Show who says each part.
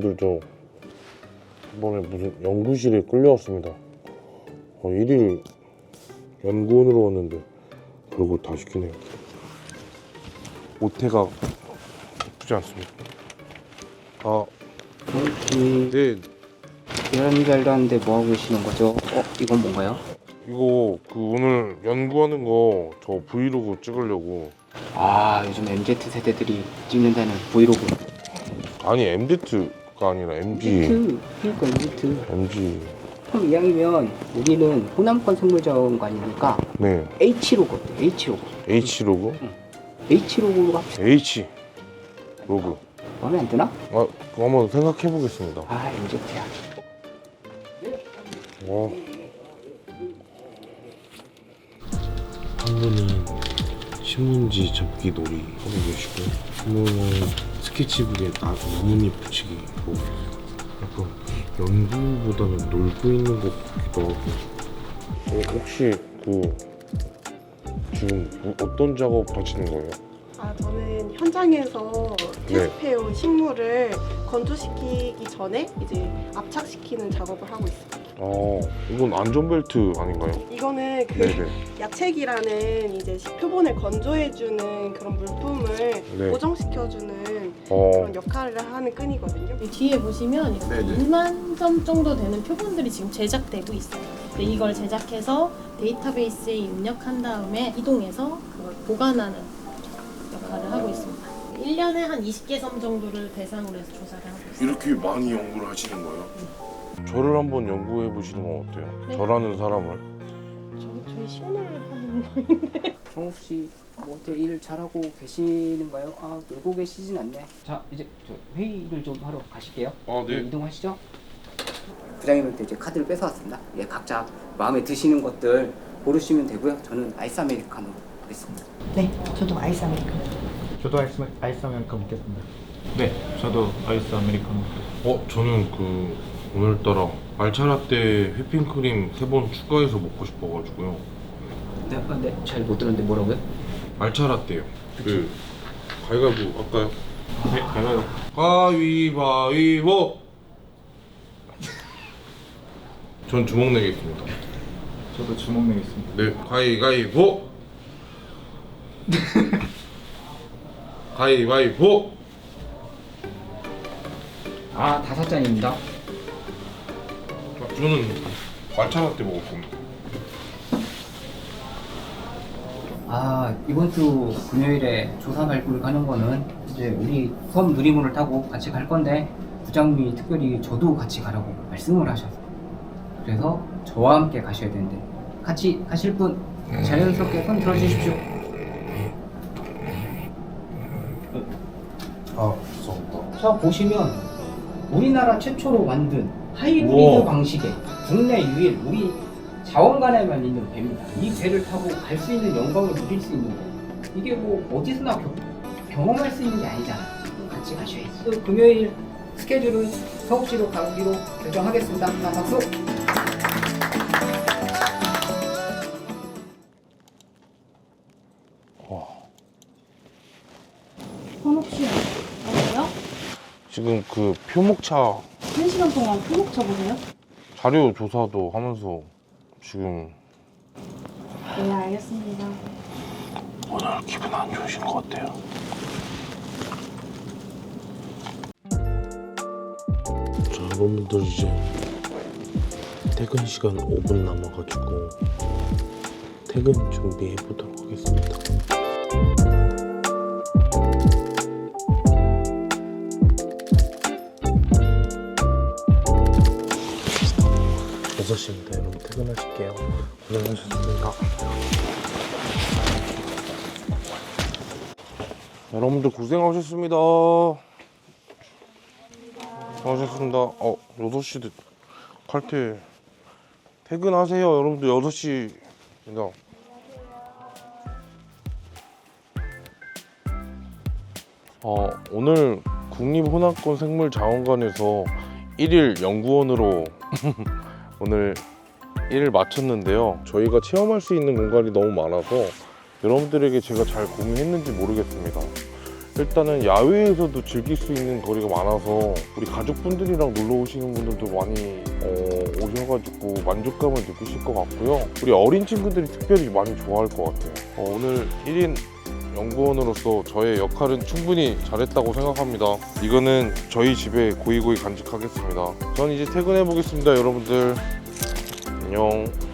Speaker 1: 여러분들 저 이번에 무슨 연구실에 끌려왔습니다. 1일 연구원으로 왔는데 별걸 다 시키네요. 오태가 예쁘지 않습니까? 네.
Speaker 2: 이런 잘도 하는데 뭐 하고 계시는 거죠? 이건 뭔가요?
Speaker 1: 이거 오늘 연구하는 거 저 브이로그 찍으려고.
Speaker 2: 요즘 MZ 세대들이 찍는다는 브이로그.
Speaker 1: 아니 MZ가 아니라 MG.
Speaker 2: 그러니까
Speaker 1: MG.
Speaker 2: 그럼 이왕이면 우리는 호남권 생물자원관이니까
Speaker 1: 네.
Speaker 2: H로그 어때? H로그.
Speaker 1: H로그?
Speaker 2: H로그로 합시다.
Speaker 1: H로그.
Speaker 2: 마음에 안 드나?
Speaker 1: 그거 한번 생각해 보겠습니다.
Speaker 2: MZ야.
Speaker 1: 와. 한 분은 신문지 접기 놀이 하고 계시고, 한 분은 스케치북에 나뭇잎 붙이기 하고 계세요. 약간 연구보다는 놀고 있는 것 같기도 하고. 혹시 지금 어떤 작업 하시는 거예요?
Speaker 3: 저는 현장에서 테스트해온 식물을 건조시키기 전에 이제 압착시키는 작업을 하고 있습니다.
Speaker 1: 이건 안전벨트 아닌가요?
Speaker 3: 이거는
Speaker 1: 네네.
Speaker 3: 야책이라는 이제 표본을 건조해주는 그런 물품을
Speaker 1: 네.
Speaker 3: 고정시켜주는 그런 역할을 하는 끈이거든요.
Speaker 4: 이 뒤에 보시면 이렇게
Speaker 1: 네네.
Speaker 4: 1만 점 정도 되는 표본들이 지금 제작되고 있어요. 근데 이걸 제작해서 데이터베이스에 입력한 다음에 이동해서 그걸 보관하는 역할을 하고 있습니다. 1년에 한 20개 섬 정도를 대상으로 해서 조사를 하고 있어요.
Speaker 1: 이렇게 많이 연구를 하시는 거예요? 저를 한번 연구해 보시는 건 어때요?
Speaker 4: 네.
Speaker 1: 저라는 사람을.
Speaker 3: 저희 시연을 하는 거인데.
Speaker 2: 정욱 씨, 뭐 어때 일 잘하고 계시는가요? 놀고 계시진 않네. 자, 이제 저 회의를 좀 하러 가실게요.
Speaker 1: 네.
Speaker 2: 이동하시죠. 부장님한테 이제 카드를 뺏어왔습니다. 각자 마음에 드시는 것들 고르시면 되고요. 저는 아이스 아메리카노 하겠습니다.
Speaker 5: 네, 저도 아이스 아메리카노.
Speaker 6: 저도 아이스 아메리카노 먹겠습니다. 네, 저도 아이스 아메리카노.
Speaker 1: 저는 오늘따라 말차라떼 휘핑크림 3번 추가해서 먹고 싶어가지고요.
Speaker 2: 네, 잘 못 들었는데 뭐라고요?
Speaker 1: 말차라떼요. 가위바위보 할까요?
Speaker 6: 네, 가요.
Speaker 1: 가위바위보. 전 주먹 내겠습니다.
Speaker 6: 저도 주먹 내겠습니다.
Speaker 1: 네, 가위바위보. 가위바위보.
Speaker 2: 5잔입니다.
Speaker 1: 저는 말차라떼 먹을 겁니다.
Speaker 2: 이번 주 금요일에 조사 발굴 가는 거는 이제 우리 섬 누리문을 타고 같이 갈 건데 부장님이 특별히 저도 같이 가라고 말씀을 하셔서 그래서 저와 함께 가셔야 되는데 같이 가실 분 자연스럽게 손 들어주십시오.
Speaker 1: 죄송합니다.
Speaker 2: 자, 보시면 우리나라 최초로 만든 하이브리드
Speaker 1: 우와.
Speaker 2: 방식의 국내 유일 우리 자원간에만 있는 배입니다. 이 배를 타고 갈 수 있는 영광을 누릴 수 있는 거. 이게 뭐 어디서나 경험할 수 있는 게 아니잖아. 같이 가셔야지. 또 금요일 스케줄은 서울시로 가기로 결정하겠습니다. 자, 박수.
Speaker 4: 혹시 어때요?
Speaker 1: 지금 표목차
Speaker 4: 1시간 동안 표목 쳐보세요?
Speaker 1: 자료 조사도 하면서 지금
Speaker 4: 네, 알겠습니다.
Speaker 1: 오늘 기분 안 좋으신 것 같아요. 자, 여러분들 이제 퇴근 시간 5분 남아가지고 퇴근 준비해 보도록 하겠습니다. (6시입니다) 여러분 퇴근하실게요. 고생하셨습니다. 여러분들 고생하셨습니다. 수고하셨습니다. 6시 칼퇴 퇴근하세요. 여러분들 6시입니다. 오늘 국립호남권 생물자원관에서 1일 연구원으로 오늘 일을 마쳤는데요. 저희가 체험할 수 있는 공간이 너무 많아서 여러분들에게 제가 잘 공유했는지 모르겠습니다. 일단은 야외에서도 즐길 수 있는 거리가 많아서 우리 가족분들이랑 놀러 오시는 분들도 많이 오셔가지고 만족감을 느끼실 것 같고요. 우리 어린 친구들이 특별히 많이 좋아할 것 같아요. 오늘 1인 연구원으로서 저의 역할은 충분히 잘했다고 생각합니다. 이거는 저희 집에 고이고이 간직하겠습니다. 전 이제 퇴근해 보겠습니다. 여러분들 안녕.